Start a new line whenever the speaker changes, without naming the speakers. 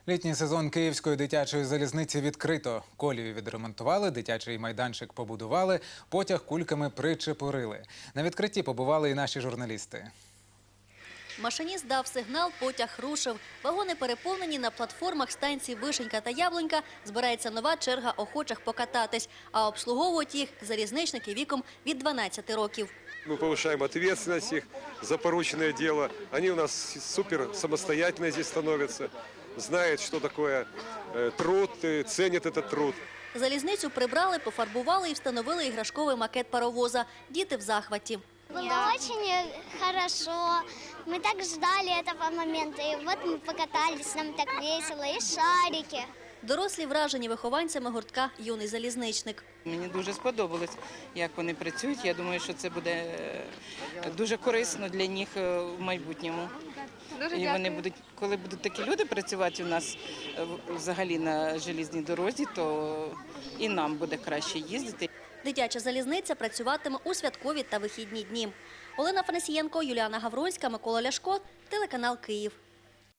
Літній сезон Київської дитячої залізниці відкрито. Колію відремонтували, дитячий майданчик побудували, потяг кульками причепурили. На відкритті побували і наші журналісти.
Машиніст дав сигнал, потяг рушив. Вагони переповнені, на платформах станцій Вишенька та Яблунька збирається нова черга охочих покататись. А обслуговують їх залізничники віком від 12 років.
Мы повышаем ответственность их за порученное дело. Они у нас супер самостоятельно здесь становятся, знают, что такое труд, ценят этот труд.
Залізницю прибрали, пофарбували і встановили іграшковий макет паровоза. Діти в захваті.
Было очень хорошо. Мы так ждали этого момента. И вот мы покатались, нам так весело. И шарики.
Дорослі вражені вихованцями гуртка «Юний залізничник».
Мені дуже сподобалось, як вони працюють. Я думаю, що це буде дуже корисно для них в майбутньому. І вони будуть, коли будуть такі люди працювати у нас взагалі на залізній дорозі, то і нам буде краще їздити.
Дитяча залізниця працюватиме у святкові та вихідні дні. Олена Фанасієнко, Юліана Гавронська, Микола Ляшко, телеканал «Київ».